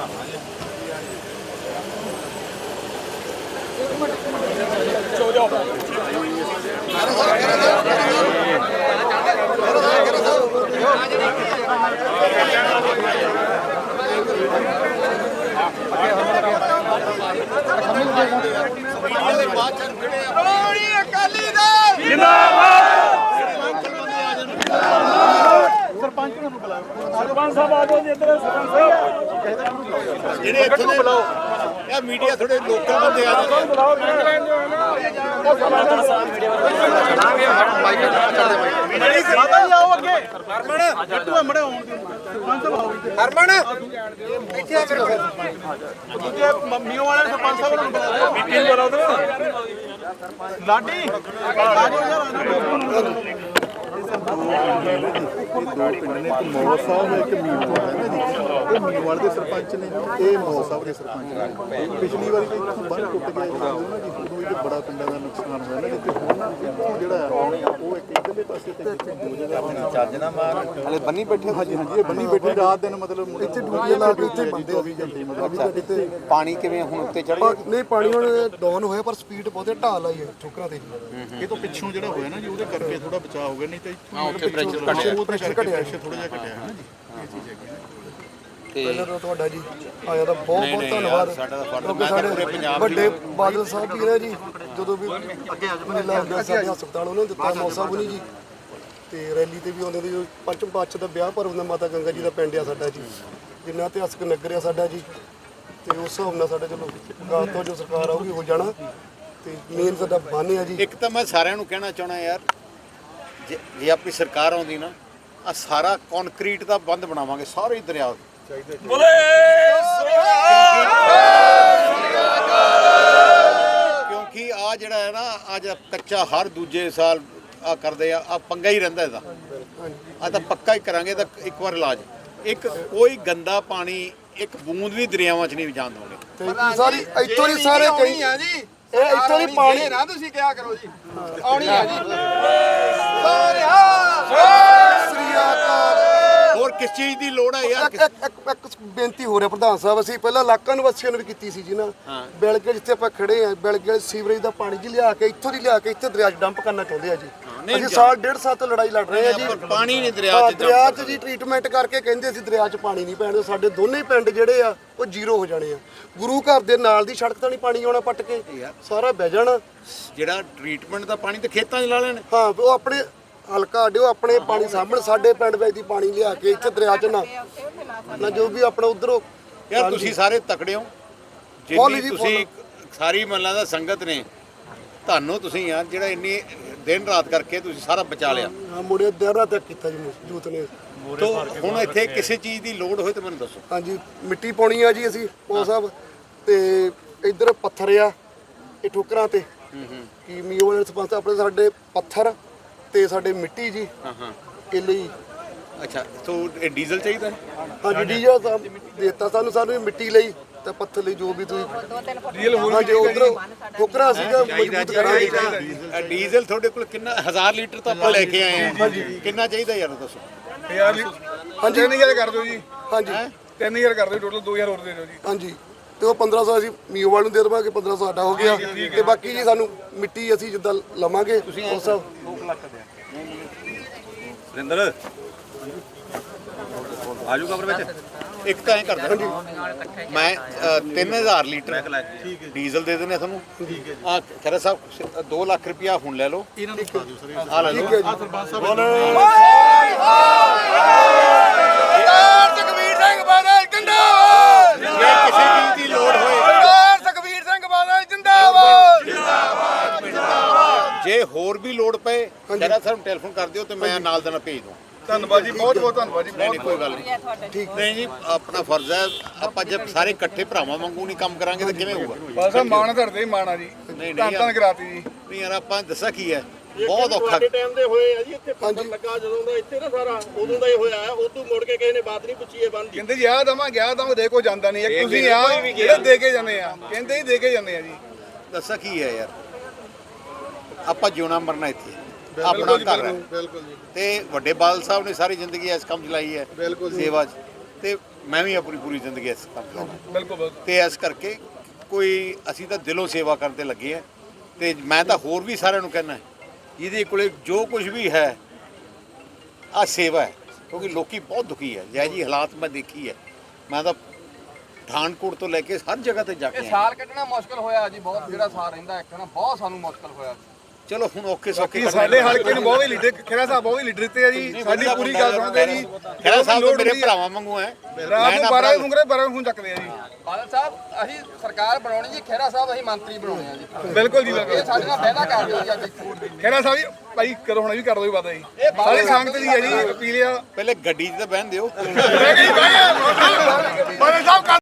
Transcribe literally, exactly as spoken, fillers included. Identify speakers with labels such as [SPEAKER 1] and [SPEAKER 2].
[SPEAKER 1] सरपंच साहब आ जाओ जी इधर सरपंच साहब
[SPEAKER 2] ਜਿਹੜੇ ਇੱਥੇ ਦੇ ਬੁਲਾਓ ਇਹ ਮੀਡੀਆ ਥੋੜੇ ਲੋਕਲ ਬੰਦੇ ਆ ਜਾਓ
[SPEAKER 1] बुलाओ
[SPEAKER 2] ਹਰਮਨ
[SPEAKER 1] ਲਾਡੀ
[SPEAKER 3] ਦੋ ਪਿੰਡ ਨੇ, ਇੱਕ ਮੌਲ ਸਾਹਿਬ ਇੱਕ ਮੀਰਵਾਲ ਹੈ ਨਾ ਜੀ। ਇਹ ਮੀਰਵਾਲ ਦੇ ਸਰਪੰਚ ਨੇ, ਇਹ ਮੌਲ ਸਾਹਿਬ ਦੇ ਸਰਪੰਚ ਨੇ। ਪਿਛਲੀ ਵਾਰੀ ਤਾਂ ਇੱਥੋਂ ਬੰਨ੍ਹ ਟੁੱਟ ਗਿਆ ਸੀ ਨਾ ਜੀ, ਉਦੋਂ ਇਹ ਬੜਾ ਪਿੰਡਾਂ ਦਾ ਨੁਕਸਾਨ ਹੋਇਆ ਨਾ ਜੀ। ਤੇ ਹੁਣ ਇੱਥੋਂ ਜਿਹੜਾ ਹੈ ਉਹ ਇੱਕ ਇੱਧਰਲੇ ਪਾਸੇ ਤੇ ਦੋ ਜਗ੍ਹਾ ਚੱਜ ਨਾ ਮਾਰ ਹਲੇ ਬੰਨੀ ਬੈਠੇ। ਹਾਂਜੀ ਹਾਂਜੀ, ਇਹ ਬੰਨੀ ਬੈਠੇ ਰਾਤ ਦਿਨ ਮਤਲਬ ਇੱਥੇ ਡਿਊਟੀ ਲਾ ਕੇ ਇੱਥੇ ਬੰਦੇ ਚੌਵੀ ਘੰਟੇ ਮਤਲਬ ਇੱਥੇ
[SPEAKER 2] ਪਾਣੀ ਕਿਵੇਂ ਹੁਣ ਉੱਤੇ ਚੜ੍ਹ
[SPEAKER 4] ਨਹੀਂ ਪਾਣੀ ਹੁਣ ਡਾਊਨ ਹੋਇਆ ਪਰ ਸਪੀਡ ਬਹੁਤੇ ਢਾਲ ਆਈ ਹੈ ਠੋਕਰਾਂ ਤੇ।
[SPEAKER 3] ਇਹ ਤੋਂ ਪਿੱਛੋਂ ਜਿਹੜਾ ਹੋਇਆ ਨਾ ਜੀ ਉਹਦੇ ਕਰਕੇ ਥੋੜਾ ਬਚਾਅ ਹੋ ਗਿਆ, ਨਹੀਂ ਤਾਂ
[SPEAKER 2] ਉੱਥੇ ਪ੍ਰੈਸ਼ਰ
[SPEAKER 3] ਪ੍ਰੈਸ਼ਰ ਘਟਿਆ, ਥੋੜਾ ਜਿਹਾ ਘਟਿਆ ਹੈ ਨਾ ਜੀ। ਇਹ ਚੀਜ਼ ਹੈਗੀ ਨਾ।
[SPEAKER 4] ਪਹਿਲਾਂ ਤਾਂ ਤੁਹਾਡਾ ਜੀ ਆਇਆ ਤਾਂ ਬਹੁਤ ਬਹੁਤ ਧੰਨਵਾਦ।
[SPEAKER 2] ਸਾਡਾ ਤਾਂ ਫਰਜ਼
[SPEAKER 4] ਕਿਉਂਕਿ
[SPEAKER 2] ਮੈਂ
[SPEAKER 4] ਸਾਡੇ
[SPEAKER 2] ਪੂਰੇ ਪੰਜਾਬ
[SPEAKER 4] ਵੱਡੇ ਬਾਦਲ ਸਾਹਿਬ ਵੀ ਨੇ ਜੀ, ਜਦੋਂ ਵੀ ਮੇਲਾ ਹੁੰਦਾ ਸਾਡੇ ਹਸਪਤਾਲ ਉਹਨਾਂ ਨੇ ਦਿੱਤਾ ਮੌਸਾ ਬੁਨੀ ਜੀ, ਤੇ ਰੈਲੀ ਤੇ ਵੀ ਆਉਂਦੇ ਦੀ। ਪੰਚਮ ਪਾਤਸ਼ਾਹ ਦਾ ਵਿਆਹ ਪਰਵ ਦਾ ਮਾਤਾ ਗੰਗਾ ਜੀ ਦਾ ਪਿੰਡ ਆ ਸਾਡਾ ਜੀ, ਜਿੰਨਾ ਇਤਿਹਾਸਕ ਨਗਰ ਆ ਸਾਡਾ ਜੀ। ਤੇ ਉਸ ਹਿਸਾਬ ਨਾਲ ਸਾਡਾ ਚਲੋ ਗਾਂ ਤੋਂ ਜੋ ਸਰਕਾਰ ਆਊਗੀ ਹੋ ਜਾਣਾ। ਤੇ ਮੇਨ ਸਾਡਾ ਬੰਨ੍ਹ ਆ ਜੀ।
[SPEAKER 2] ਇੱਕ ਤਾਂ ਮੈਂ ਸਾਰਿਆਂ ਨੂੰ ਕਹਿਣਾ ਚਾਹਣਾ ਯਾਰ, ਜੇ ਜੇ ਆਪਣੀ ਸਰਕਾਰ ਆਉਂਦੀ ਨਾ ਆ ਸਾਰਾ ਕੰਕਰੀਟ ਦਾ ਬੰਦ ਬਣਾਵਾਂਗੇ ਸਾਰੇ ਹੀ ਦਰਿਆ
[SPEAKER 1] ਬੋਲੇ
[SPEAKER 2] ਕਿਉਂਕਿ ਆ ਜਿਹੜਾ ਹੈ ਨਾ ਅੱਜ ਕੱਚਾ ਹਰ ਦੂਜੇ ਸਾਲ ਆ ਕਰਦੇ ਆ ਆ ਪੰਗਾ ਹੀ ਰਹਿੰਦਾ ਇਹਦਾ। ਆ ਤਾਂ ਪੱਕਾ ਹੀ ਕਰਾਂਗੇ ਤਾਂ ਇੱਕ ਵਾਰ ਇਲਾਜ। ਇੱਕ ਕੋਈ ਗੰਦਾ ਪਾਣੀ ਇੱਕ ਬੂੰਦ ਵੀ ਦਰਿਆਵਾਂ 'ਚ ਨਹੀਂ ਜਾਣ ਦੇਵਾਂਗੇ।
[SPEAKER 4] ਤੇ ਸਾਰੀ ਇੱਥੋਂ ਹੀ ਸਾਰੇ ਕਈ
[SPEAKER 5] ਆ ਜੀ
[SPEAKER 4] ਇਹ ਇੱਥੋਂ ਹੀ ਪਾਣੀ
[SPEAKER 5] ਨਾ ਤੁਸੀਂ ਕਿਹਾ ਕਰੋ ਜੀ ਆਉਣੀ ਆ ਜੀ
[SPEAKER 4] ਸ੍ਰੀ ਅਕਾਲ।
[SPEAKER 2] ਹੋਰ ਕਿਸ ਚੀਜ਼ ਦੀ ਲੋੜ ਹੈ ਯਾਰ?
[SPEAKER 4] ਇੱਕ ਇੱਕ ਇੱਕ ਬੇਨਤੀ ਹੋ ਰਿਹਾ ਪ੍ਰਧਾਨ ਸਾਹਿਬ, ਅਸੀਂ ਪਹਿਲਾਂ ਇਲਾਕਾ ਨਿਵਾਸੀਆਂ ਨੂੰ ਵੀ ਕੀਤੀ ਸੀ ਜੀ ਨਾ। ਬਿਲਗੇ ਜਿੱਥੇ ਆਪਾਂ ਖੜੇ ਆ, ਬਿਲਗੇ ਸੀਵਰੇਜ ਦਾ ਪਾਣੀ ਜੀ ਲਿਆ ਕੇ ਇੱਥੋਂ ਦੀ ਲਿਆ ਕੇ ਇੱਥੇ ਦਰਿਆ 'ਚ ਡੰਪ ਕਰਨਾ ਚਾਹੁੰਦੇ ਆ ਜੀ। ਅਸੀਂ ਸਾਲ ਡੇਢ ਸਾਲ ਤੋਂ ਲੜਾਈ ਲੜ ਰਹੇ ਆ ਜੀ।
[SPEAKER 2] ਪਾਣੀ ਨਹੀਂ ਦਰਿਆ
[SPEAKER 4] ਹਾਂ,
[SPEAKER 2] 'ਚ
[SPEAKER 4] ਦਰਿਆ 'ਚ ਜੀ ਟ੍ਰੀਟਮੈਂਟ ਕਰਕੇ ਕਹਿੰਦੇ ਅਸੀਂ ਦਰਿਆ 'ਚ ਪਾਣੀ ਨਹੀਂ ਪੈਣ ਦਿਓ। ਸਾਡੇ ਦੋਨੇ ਪਿੰਡ ਜਿਹੜੇ ਆ ਉਹ ਜ਼ੀਰੋ ਹੋ ਜਾਣੇ ਆ। ਗੁਰੂ ਘਰ ਦੇ ਨਾਲ ਦੀ ਸੜਕ ਤਾਂ ਨਹੀਂ ਪਾਣੀ ਆਉਣਾ ਪੱਟ ਕੇ, ਸਾਰਾ ਬਹਿ ਜਾਣਾ।
[SPEAKER 2] ਜਿਹੜਾ ਟ੍ਰੀਟਮੈਂਟ ਦਾ ਪਾਣੀ ਤੇ ਖੇਤਾਂ 'ਚ ਲਾ ਲੈਣ।
[SPEAKER 4] ਹਾਂ, ਉਹ ਆਪਣੇ ਹਲਕਾ ਅੱਡਿਓ ਆਪਣੇ ਪਾਣੀ ਸਾਹਮਣੇ ਸਾਡੇ ਪਿੰਡ ਵਿੱਚ ਦੀ ਪਾਣੀ ਲਿਆ ਕੇ ਇੱਥੇ ਦਰਿਆ 'ਚ ਨਾ ਨਾ ਜੋ ਵੀ ਆਪਣਾ ਉਧਰੋਂ।
[SPEAKER 2] ਯਾਰ ਤੁਸੀਂ ਸਾਰੇ ਤਕੜੇ ਹੋ, ਜਿੰਨੀ ਤੁਸੀਂ ਸਾਰੀ ਮਹੱਲਾ ਦਾ ਸੰਗਤ ਨੇ ਤੁਹਾਨੂੰ, ਤੁਸੀਂ ਯਾਰ ਜਿਹੜਾ ਇੰਨੀ ਦਿਨ ਰਾਤ ਕਰਕੇ ਤੁਸੀਂ ਸਾਰਾ ਬਚਾ ਲਿਆ।
[SPEAKER 4] ਹਾਂ, ਮੁੰਡੇ ਦੇਰ ਰਾਤ ਤੱਕ ਕੀਤਾ ਜੀ ਜੂਤ ਨੇ।
[SPEAKER 2] ਤੋ ਹੁਣ ਇੱਥੇ ਕਿਸੇ ਚੀਜ਼ ਦੀ ਲੋੜ ਹੋਏ ਤਾਂ ਮੈਨੂੰ ਦੱਸੋ।
[SPEAKER 4] ਹਾਂਜੀ, ਮਿੱਟੀ ਪਾਉਣੀ ਆ ਜੀ ਅਸੀਂ ਉਹ ਸਾਹਿਬ, ਤੇ ਇੱਧਰ ਪੱਥਰ ਆ ਇਹ ਠੋਕਰਾਂ ਤੇ। ਕੀ ਮੀਓ ਵਾਲੇ ਸਰਪੰਚ ਆਪਣੇ ਸਾਡੇ ਪੱਥਰ ਤੇ ਸਾਡੇ ਮਿੱਟੀ ਜੀ।
[SPEAKER 2] ਹਾਂ ਹਾਂ,
[SPEAKER 4] ਇਹ ਲਈ
[SPEAKER 2] ਅੱਛਾ। ਤੋ ਇਹ ਡੀਜ਼ਲ ਚਾਹੀਦਾ?
[SPEAKER 4] ਹਾਂਜੀ, ਡੀਜ਼ਲ ਤਾਂ ਦੇਤਾ ਸਾਨੂੰ ਸਾਨੂੰ ਮਿੱਟੀ ਲਈ ਤੇ ਪੱਥਰ ਲਈ ਜੋ ਵੀ ਤੁਸੀਂ ਡੀਜ਼ਲ ਹੋਰ ਜੀ ਉਧਰ ਠੋਕਰਾਂ ਸੀਗਾ ਮਜ਼ਬੂਤ ਕਰਾਂਗੇ।
[SPEAKER 2] ਡੀਜ਼ਲ ਤੁਹਾਡੇ ਕੋਲ ਕਿੰਨਾ? ਹਜ਼ਾਰ ਲੀਟਰ ਤਾਂ ਆਪਾਂ ਲੈ ਕੇ ਆਏ ਆ। ਕਿੰਨਾ ਚਾਹੀਦਾ ਯਾਰ ਦੱਸੋ?
[SPEAKER 4] ਹਾਂਜੀ,
[SPEAKER 5] ਤਿੰਨ ਹਜ਼ਾਰ ਕਰ ਦਿਓ ਜੀ।
[SPEAKER 4] ਹਾਂਜੀ,
[SPEAKER 5] ਤਿੰਨ ਹਜ਼ਾਰ ਕਰ ਦਿਓ, ਟੋਟਲ ਦੋ ਹਜ਼ਾਰ ਹੋਰ ਦੇ ਦਿਓ ਜੀ।
[SPEAKER 4] ਹਾਂਜੀ, ਤੇ ਉਹ ਪੰਦਰਾਂ ਸੌ ਅਸੀਂ ਮੀਓਵਾਲ ਨੂੰ ਦੇ ਦੇਵਾਂਗੇ, ਪੰਦਰਾਂ ਸੌ ਸਾਡਾ ਹੋ ਗਿਆ। ਤੇ ਬਾਕੀ ਜੀ ਸਾਨੂੰ ਮਿੱਟੀ ਅਸੀਂ ਜਿੱਦਾਂ ਲਵਾਂਗੇ ਉਸ ਸਭ
[SPEAKER 2] ਰਿੰਦਰ ਆਜੂ ਕਮਰੇ ਵਿੱਚ। ਇੱਕ ਤਾਂ ਐਂ ਕਰਦਾ ਮੈਂ ਤਿੰਨ ਹਜ਼ਾਰ ਲੀਟਰ ਡੀਜ਼ਲ ਦੇ ਦਿੰਦੇ ਤੁਹਾਨੂੰ। ਆ ਖਰਾ ਸਾਹਿਬ ਦੋ ਲੱਖ ਰੁਪਇਆ ਹੁਣ ਲੈ ਲਓ।
[SPEAKER 3] ਇਹਨਾਂ ਨੂੰ ਪਾ ਦਿਓ ਸਰ।
[SPEAKER 2] ਆ ਲੈ ਲਓ।
[SPEAKER 3] ਸਰਪੰਚ ਸਾਹਿਬ
[SPEAKER 5] ਸੁਖਬੀਰ ਸਿੰਘ ਬਾਦਲ ਜਿੰਦਾਬਾਦ।
[SPEAKER 2] ਜੇ ਕਿਸੇ ਚੀਜ਼ ਦੀ ਲੋੜ ਹੋਏ,
[SPEAKER 5] ਸਰਦਾਰ ਸੁਖਬੀਰ ਸਿੰਘ ਬਾਦਲ ਜਿੰਦਾਬਾਦ।
[SPEAKER 2] ਜੇ ਹੋਰ ਵੀ ਲੋੜ ਪਏ ਖਰਾ ਸਾਹਿਬ ਨੂੰ ਟੈਲੀਫੋਨ ਕਰ ਦਿਓ ਤੇ ਮੈਂ ਨਾਲ ਦੇ ਨਾਲ ਭੇਜ ਦੂੰ।
[SPEAKER 5] ਧੰਨਵਾਦ ਜੀ, ਬਹੁਤ ਬਹੁਤ ਧੰਨਵਾਦ ਜੀ।
[SPEAKER 2] ਨਹੀਂ ਨਹੀਂ, ਕੋਈ ਗੱਲ ਨਹੀਂ। ਨਹੀਂ ਜੀ, ਆਪਣਾ ਫਰਜ਼ ਹੈ। ਆਪਾਂ ਜਦ ਸਾਰੇ ਇਕੱਠੇ ਭਰਾਵਾਂ ਵਾਂਗੂ ਨਹੀਂ ਕੰਮ ਕਰਾਂਗੇ ਤਾਂ ਕਿਵੇਂ ਹੋਊਗਾ?
[SPEAKER 5] ਬਸ ਆ ਮਾਣ ਧਰਦੇ ਹੀ ਮਾਣ ਆ ਜੀ।
[SPEAKER 2] ਨਹੀਂ
[SPEAKER 5] ਧੰਨ ਧੰਨ ਕਰਾਤੀ ਜੀ।
[SPEAKER 2] ਨਹੀਂ ਯਾਰ, ਆਪਾਂ ਦੱਸਾਂ ਕੀ ਹੈ, ਬਹੁਤ ਔਖਾ।
[SPEAKER 6] ਟਾਈਮ ਦੇ ਹੋਏ ਆ ਜੀ ਇੱਥੇ ਪੱਥਰ ਲੱਗਾ ਜਦੋਂ ਦਾ ਇੱਥੇ ਨਾ ਸਾਰਾ ਉਦੋਂ ਦਾ ਹੀ ਹੋਇਆ ਹੈ। ਉਦੋਂ ਮੁੜ ਕੇ ਕਿਸੇ ਨੇ ਬਾਤ ਨਹੀਂ ਪੁੱਛੀ ਇਹ ਬੰਦ ਦੀ।
[SPEAKER 5] ਕਹਿੰਦੇ ਜੀ ਆ ਦਵਾਂ ਗਿਆ ਦਵਾਂ ਦੇ ਕੋ ਜਾਂਦਾ ਨਹੀਂ। ਇੱਕ ਤੁਸੀਂ ਆ ਜਿਹੜੇ ਦੇ ਕੇ ਜਾਂਦੇ ਆ, ਕਹਿੰਦੇ ਹੀ ਦੇ ਕੇ ਜਾਂਦੇ ਆ ਜੀ।
[SPEAKER 2] ਦੱਸਾਂ ਕੀ ਹੈ ਯਾਰ, ਆਪਾਂ ਜਿਉਣਾ ਮਰਨਾ ਇੱਥੇ, ਆਪਣਾ ਘਰ ਹੈ।
[SPEAKER 3] ਬਿਲਕੁਲ ਜੀ।
[SPEAKER 2] ਤੇ ਵੱਡੇ ਬਾਦਲ ਸਾਹਿਬ ਨੇ ਸਾਰੀ ਜ਼ਿੰਦਗੀ ਇਸ ਕੰਮ 'ਚ ਲਾਈ ਹੈ,
[SPEAKER 3] ਬਿਲਕੁਲ
[SPEAKER 2] ਸੇਵਾ 'ਚ। ਤੇ ਮੈਂ ਵੀ ਆਪਣੀ ਪੂਰੀ ਜ਼ਿੰਦਗੀ ਇਸ ਕੰਮ ਕਰਾਂਗਾ
[SPEAKER 5] ਬਿਲਕੁਲ
[SPEAKER 2] ਤੇ ਇਸ ਕਰਕੇ ਕੋਈ ਅਸੀਂ ਤਾਂ ਦਿਲੋਂ ਸੇਵਾ ਕਰਨ ਤੇ ਲੱਗੇ ਆ ਤੇ ਮੈਂ ਤਾਂ ਹੋਰ ਵੀ ਸਾਰਿਆਂ ਨੂੰ ਕਹਿਣਾ ਜਿਹਦੇ ਕੋਲੇ ਜੋ ਕੁਝ ਵੀ ਹੈ ਆ ਸੇਵਾ ਹੈ ਕਿਉਂਕਿ ਲੋਕੀ ਬਹੁਤ ਦੁਖੀ ਹੈ ਜੈ ਜੀ ਹਾਲਾਤ ਮੈਂ ਦੇਖੀ ਹੈ ਮੈਂ ਤਾਂ ਪਠਾਨਕੋਟ ਤੋਂ ਲੈ ਕੇ ਹਰ ਜਗ੍ਹਾ ਤੇ ਜਾ ਕੇ
[SPEAKER 7] ਇਹ
[SPEAKER 2] ਆਇਆ।
[SPEAKER 7] ਸਾਲ ਕੱਢਣਾ ਮੁਸ਼ਕਲ ਹੋਇਆ ਜੀ ਬਹੁਤ ਜਿਹੜਾ ਸਾਲ ਰਹਿੰਦਾ ਇੱਕ ਨਾ ਬਹੁਤ ਸਾਨੂੰ ਮੁਸ਼ਕਲ ਹੋਇਆ
[SPEAKER 2] ਚਲੋ ਹੁਣ ਔਖੇ ਸੌਖੇ
[SPEAKER 5] ਕਿ ਸਾਡੇ ਹਲਕੇ ਨੂੰ ਬਹੁਤ ਹੀ ਲੀਡਰ ਖੇੜਾ ਸਾਹਿਬ ਬਹੁਤ ਹੀ ਲੀਡਰ ਦਿੱਤੇ ਆ ਜੀ ਸਾਡੀ ਪੂਰੀ ਗੱਲ ਸੁਣਦੇ ਆ ਜੀ
[SPEAKER 2] ਖੇੜਾ ਸਾਹਿਬ ਤਾਂ ਮੇਰੇ ਭਰਾਵਾਂ ਵਾਂਗੂ ਹੈ
[SPEAKER 5] ਰਾਤ ਨੂੰ ਬਾਰਾਂ ਵਜੇ ਬਾਰਾਂ ਫੋਨ ਚੱਕਦੇ ਆ ਜੀ
[SPEAKER 7] ਬਾਦਲ ਸਾਹਿਬ ਅਸੀਂ ਸਰਕਾਰ ਬਣਾਉਣੀ ਜੀ ਖਹਿਰਾ ਸਾਹਿਬ ਅਸੀਂ ਮੰਤਰੀ ਬਣਾਉਣੇ ਆ ਜੀ
[SPEAKER 5] ਬਿਲਕੁਲ ਜੀ
[SPEAKER 7] ਇਹ
[SPEAKER 5] ਬਿਲਕੁਲ
[SPEAKER 7] ਸਾਡੇ ਨਾਲ ਵਾਅਦਾ ਕਰ ਦਿਓ ਜੀ ਅੱਜ
[SPEAKER 5] ਖੇੜਾ ਸਾਹਿਬ ਜੀ ਭਾਈ ਕਰੋ ਹੁਣ ਵੀ ਕਰ ਦੋ ਜੀ ਵਾਦਾ ਜੀ ਸਾਰੀ ਸੰਗਤ ਦੀ ਹੈ ਜੀ ਅਪੀਲ ਆ
[SPEAKER 2] ਪਹਿਲੇ ਗੱਡੀ 'ਚ ਤਾਂ ਬਹਿਣ ਦਿਓ
[SPEAKER 5] ਬਾਦਲ ਸਾਹਿਬ